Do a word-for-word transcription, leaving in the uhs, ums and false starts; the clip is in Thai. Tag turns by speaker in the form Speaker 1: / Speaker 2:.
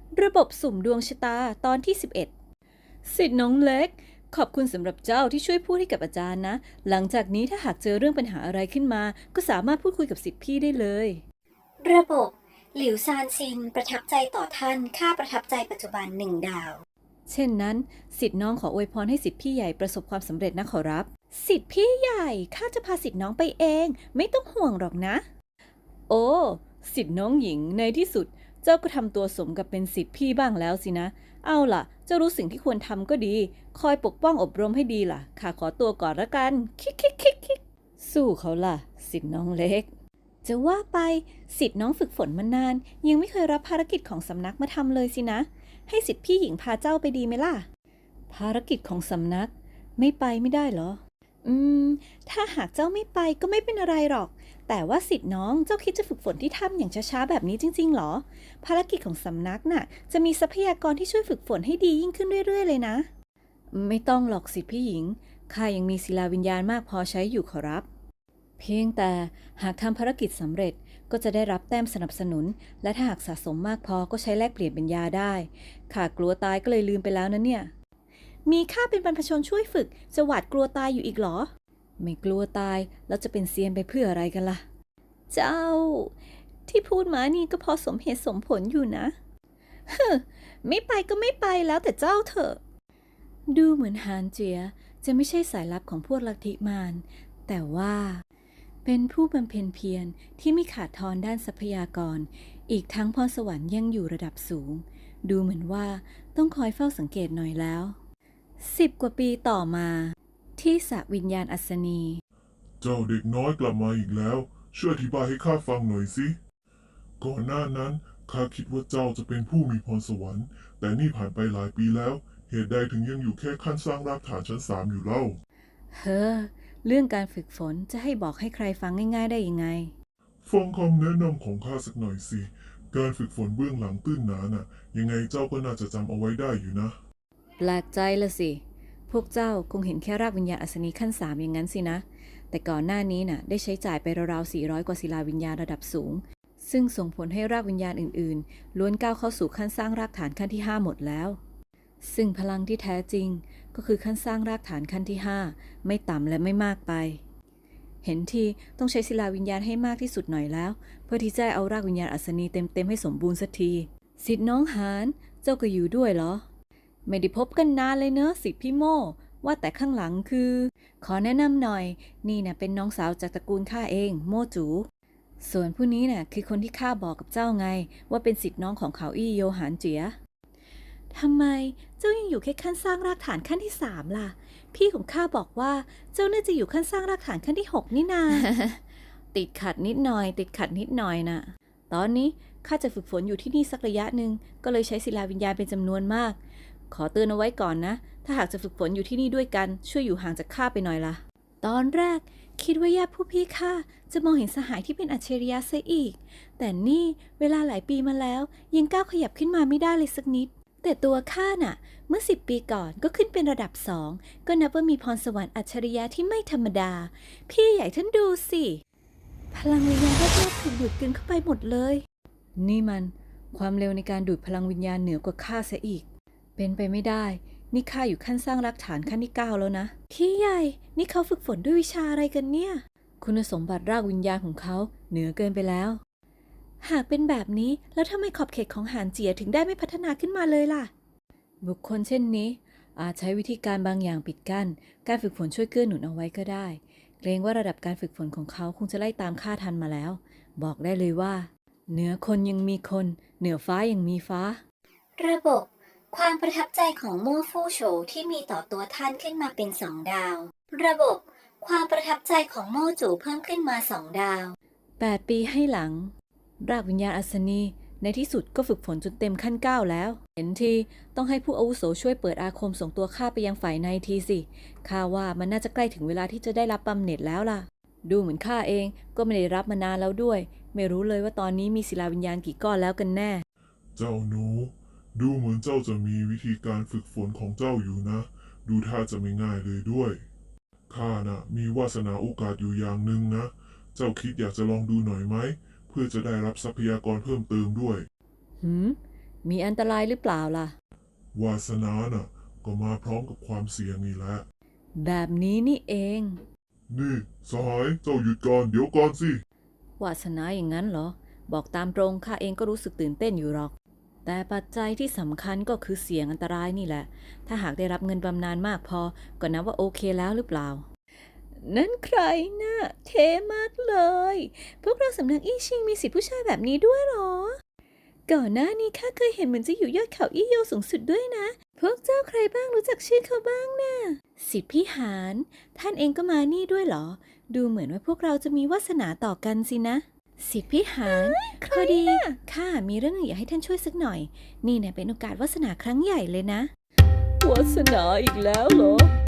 Speaker 1: ระบบสุ่มดวงชะตาตอนที่สิบเอ็ดสิทธิ์น้องเล็กขอบคุณสำหรับเจ้าที่ช่วยพูดให้กับอาจารย์นะหลังจากนี้ถ้าหากเจอเรื่องปัญหาอะไรขึ้นมาก็สามารถพูดคุยกับสิทธิ์พี่ได้เลย
Speaker 2: ระบบหลิวซานซินประทับใจต่อท่านค่าประทับใจปัจจุบันหนึ่งดาว
Speaker 1: เช่นนั้นสิทธิ์น้องขออวยพรให้สิทธิ์พี่ใหญ่ประสบความสำเร็จนะขอรับสิทธิ์พี่ใหญ่ข้าจะพาสิทธิ์น้องไปเองไม่ต้องห่วงหรอกนะโอ้สิทธิ์น้องหญิงในที่สุดเจ้าก็ทำตัวสมกับเป็นสิทธิ์พี่บ้างแล้วสินะเอาล่ะเจ้ารู้สิ่งที่ควรทำก็ดีคอยปกป้องอบรมให้ดีล่ะข้าขอตัวก่อนละกันคิกคิกคิกคิกสู้เขาล่ะสิทธิ์น้องเล็กจะว่าไปสิทธิ์น้องฝึกฝนมานานยังไม่เคยรับภารกิจของสำนักมาทำเลยสินะให้สิทธิ์พี่หญิงพาเจ้าไปดีไหมล่ะภารกิจของสำนักไม่ไปไม่ได้เหรออืมถ้าหากเจ้าไม่ไปก็ไม่เป็นอะไรหรอกแต่ว่าสิทธิ์น้องเจ้าคิดจะฝึกฝนที่ถ้ำอย่างช้าๆแบบนี้จริงๆหรอภารกิจของสำนักน่ะจะมีทรัพยากรที่ช่วยฝึกฝนให้ดียิ่งขึ้นเรื่อยๆเลยนะไม่ต้องหรอกสิทธิ์พี่หญิงข้ายังมีศิลาวิญญาณมากพอใช้อยู่ขอรับเพียงแต่หากทำภารกิจสำเร็จก็จะได้รับแต้มสนับสนุนและถ้าหากสะสมมากพอก็ใช้แลกเปลี่ยนเป็นยาได้ข้ากลัวตายก็เลยลืมไปแล้วนะเนี่ยมีข้าเป็นบรรพชนช่วยฝึกจะหวาดกลัวตายอยู่อีกเหรอไม่กลัวตายแล้วจะเป็นเซียนไปเพื่ออะไรกันล่ะเจ้าที่พูดมานี่ก็พอสมเหตุสมผลอยู่นะเฮ้อไม่ไปก็ไม่ไปแล้วแต่เจ้าเถอะดูเหมือนฮานเจียจะไม่ใช่สายลับของพวกลัทธิมารแต่ว่าเป็นผู้บำเพ็ญเพียรที่ไม่ขาดทอนด้านทรัพยากรอีกทั้งพรสวรรค์ยังอยู่ระดับสูงดูเหมือนว่าต้องคอยเฝ้าสังเกตหน่อยแล้วสิบกว่าปีต่อมาที่สระวิญญาณอัศนี
Speaker 3: เจ้าเด็กน้อยกลับมาอีกแล้วช่วยอธิบายให้ข้าฟังหน่อยสิก่อนหน้านั้นข้าคิดว่าเจ้าจะเป็นผู้มีพรสวรรค์แต่นี่ผ่านไปหลายปีแล้วเหตุใดถึงยังอยู่แค่ขั้นสร้างรากฐานชั้นสามอยู่เล่า
Speaker 1: เฮ้อเรื่องการฝึกฝนจะให้บอกให้ใครฟังง่ายๆได้ยังไง
Speaker 3: ฟังคำแนะนำของข้าสักหน่อยสิการฝึกฝนเบื้องหลังตื้นหนาน่ะยังไงเจ้าก็น่าจะจำเอาไว้ได้อยู่นะ
Speaker 1: แปลกใจละสิพวกเจ้าคงเห็นแค่รากวิญญาณอัศนีขั้นสามอย่างนั้นสินะแต่ก่อนหน้านี้น่ะได้ใช้จ่ายไปราวๆสี่ร้อยกว่าศิลาวิญญาณระดับสูงซึ่งส่งผลให้รากวิญญาณอื่นๆล้วนก้าวเข้าสู่ขั้นสร้างรากฐานขั้นที่ห้าหมดแล้วซึ่งพลังที่แท้จริงก็คือขั้นสร้างรากฐานขั้นที่ห้าไม่ต่ำและไม่มากไปเห็นทีต้องใช้ศิลาวิญญาณให้มากที่สุดหน่อยแล้วเพื่อที่จะเอารากวิญญาณอัศนีเต็มๆให้สมบูรณ์สักทีสิทธิ์น้องหานเจ้าก็อยู่ด้วยเหรอไม่ได้พบกันนานเลยเนอะสิทธิ์พี่โม่ว่าแต่ข้างหลังคือขอแนะนำหน่อยนี่นะเป็นน้องสาวจากตระกูลข้าเองโม่จูส่วนผู้นี้น่ะคือคนที่ข้าบอกกับเจ้าไงว่าเป็นสิทธิ์น้องของเขาอี้โยหานเจียทำไมเจ้ายังอยู่แค่ขั้นสร้างรากฐานขั้นที่สามล่ะพี่ของข้าบอกว่าเจ้าน่าจะอยู่ขั้นสร้างรากฐานขั้นที่หกนี่นา ติดขัดนิดหน่อยติดขัดนิดหน่อยน่ะตอนนี้ข้าจะฝึกฝนอยู่ที่นี่สักระยะหนึ่งก็เลยใช้ศิลาวิญญาณเป็นจำนวนมากขอเตือนเอาไว้ก่อนนะถ้าหากจะฝึกฝนอยู่ที่นี่ด้วยกันช่วยอยู่ห่างจากข้าไปหน่อยล่ะตอนแรกคิดว่าญาติผู้พี่ข้าจะมองเห็นสหายที่เป็นอัจฉริยะซะอีกแต่นี่เวลาหลายปีมาแล้วยังก้าวขยับขึ้นมาไม่ได้เลยสักนิดแต่ตัวข้าน่ะเมื่อสิบปีก่อนก็ขึ้นเป็นระดับสองก็นับว่ามีพรสวรรค์อัจฉริยะที่ไม่ธรรมดาพี่ใหญ่ท่านดูสิพลังวิญญาณรอบๆถูกดูดกลืนเข้าไปหมดเลยนี่มันความเร็วในการดูดพลังวิญญาณเหนือกว่าข้าซะอีกเป็นไปไม่ได้นี่ข้าอยู่ขั้นสร้างรากฐานขั้นที่เก้าแล้วนะพี่ใหญ่นี่เขาฝึกฝนด้วยวิชาอะไรกันเนี่ยคุณสมบัติรากวิญญาณของเขาเหนือเกินไปแล้วหากเป็นแบบนี้แล้วทำไมขอบเขตของหานเจียถึงได้ไม่พัฒนาขึ้นมาเลยล่ะบุคคลเช่นนี้อาจใช้วิธีการบางอย่างปิดกั้นการฝึกฝนช่วยเกื้อหนุนเอาไว้ก็ได้เกรงว่าระดับการฝึกฝนของเขาคงจะไล่ตามข้าทันมาแล้วบอกได้เลยว่าเหนือคนยังมีคนเหนือฟ้ายังมีฟ้า
Speaker 2: ระบบความประทับใจของโม่ฟู่โฉที่มีต่อตัวท่านขึ้นมาเป็นสองดาวระบบความประทับใจของโม่จูเพิ่มขึ้นมาสองดาว
Speaker 1: แปดปีให้หลังรากวิญญาณอัศนีในที่สุดก็ฝึกฝนจนเต็มขั้นเก้าแล้วเห็นทีต้องให้ผู้อาวุโสช่วยเปิดอาคมส่งตัวข้าไปยังฝ่ายในทีสิข้าว่ามันน่าจะใกล้ถึงเวลาที่จะได้รับบำเหน็จแล้วล่ะดูเหมือนข้าเองก็ไม่ได้รับมานานแล้วด้วยไม่รู้เลยว่าตอนนี้มีศิลาวิญญาณกี่ก้อนแล้วกันแน่
Speaker 3: เจ้าหนูดูเหมือนเจ้าจะมีวิธีการฝึกฝนของเจ้าอยู่นะดูท่าจะไม่ง่ายเลยด้วยข้าน่ะมีวาสนาโอกาสอยู่อย่างหนึ่งนะเจ้าคิดอยากจะลองดูหน่อยไหมเพื่อจะได้รับทรัพยากรเพิ่มเติมด้วย
Speaker 1: หืมมีอันตรายหรือเปล่าล่ะ
Speaker 3: วาสนาน่ะ ก็มาพร้อมกับความเสี่ยงนี่แหละ
Speaker 1: แบบนี้นี่เอง
Speaker 3: นี่สหายเจ้าหยุดก่อนเดี๋ยวก่อนสิ
Speaker 1: วาสนาอย่างนั้นเหรอ บอกตามตรงข้าเองก็รู้สึกตื่นเต้นอยู่หรอก แต่ปัจจัยที่สำคัญก็คือเสี่ยงอันตรายนี่แหละ ถ้าหากได้รับเงินบำนาญมากพอ ก็นับว่าโอเคแล้วหรือเปล่า นั่นใครนะ่ะเท่มากเลย พวกเราสำนักอี้ชิงมีสิทธิผู้ชายแบบนี้ด้วยเหรอ ก่อนหน้านี้ข้าเคยเห็นเหมือนจะอยู่ยอดเขาอี้โยสูงสุดด้วยนะ พวกเจ้าใครบ้างรู้จักชื่อเขาบ้างนะ่ะสิทธิพี่หาน ท่านเองก็มานี่ด้วยเหรอ ดูเหมือนว่าพวกเราจะมีวาสนาต่อกันสินะ สิทธิพี่หานพอดีข้ามีเรื่องหนึ่งอยากให้ท่านช่วยสักหน่อย นี่เนี่ยเป็นโอกาสวาสนาครั้งใหญ่เลยนะ วาสนาอีกแล้วเหรอ